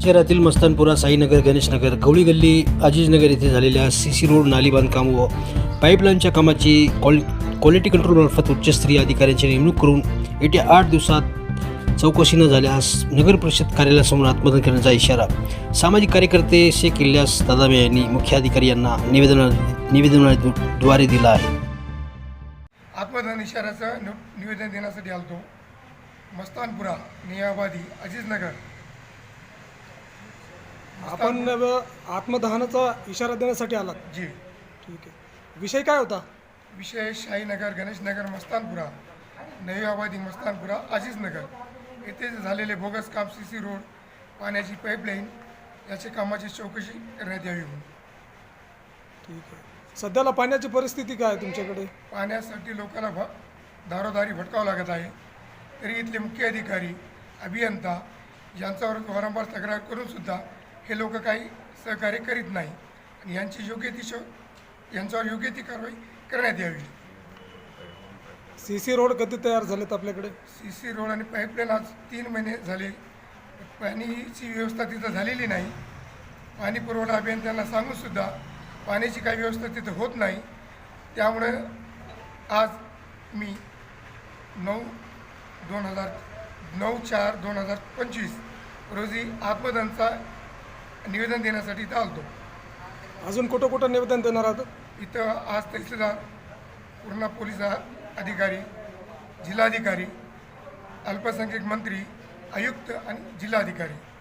शहरातील मस्तानपुरा, साईनगर, गणेशनगर, गवळी गल्ली, अजीजनगर येथे झालेल्या सीसी रोड, नाली बांधकाम व पाईपलाईनच्या कामाची क्वालिटी कंट्रोलमार्फत उच्चस्तरीय अधिकाऱ्यांची नेमणूक करून येत्या 8 दिवसात चौकशी न झाल्यास नगर परिषद कार्यालयासमोर आत्मदहन करण्याचा इशारा सामाजिक कार्यकर्ते शेख इलियास दादामे यांनी मुख्याधिकारी यांना निवेदनाद्वारे दिला आहे. आत्मदहन इशाऱ्याचं निवेदन देण्यासाठी आलतो. मस्तानपुरा, नियाबादी, अजीजनगर. आपण आत्मदहनाचा इशारा देण्यासाठी आलात? जी. ठीक आहे. विषय काय होता? विषय शाहीनगर, गणेशनगर, मस्तानपुरा, नवी आबादी, मस्तानपुरा, अजीजनगर येथे झालेले बोगस काम, सीसी रोड, पाण्याची पाईपलाईन याच्या कामाची चौकशी करण्यात यावी म्हणून. ठीक आहे. सध्याला पाण्याची परिस्थिती काय आहे तुमच्याकडे? पाण्यासाठी लोकांना दारोदारी भटकावं लागत आहे. तरी इथले मुख्य अधिकारी, अभियंता यांच्यावर वारंवार तक्रार करूनसुद्धा हे लोक काही सहकार्य करीत नाही आणि यांच्यावर योग्य ती कारवाई करण्यात यावी. सीसी रोड कधी तयार झालेत आपल्याकडे? सीसी रोड आणि पाईपलाईन आज 3 महिने झाले. पाणीची व्यवस्था तिथं झालेली नाही. पाणी पुरवठा अभियंत्यांना सांगूनसुद्धा पाण्याची काही व्यवस्था तिथं होत नाही. त्यामुळे आज मी 9/4/2025 रोजी आत्मदहनचा निवेदन देण्यासाठी इथं आलतो. अजून कुठं निवेदन देणार आहात? इथं आज तहसीलदार, पूर्णा पोलीस अधिकारी, जिल्हाधिकारी, अल्पसंख्याक मंत्री, आयुक्त आणि जिल्हाधिकारी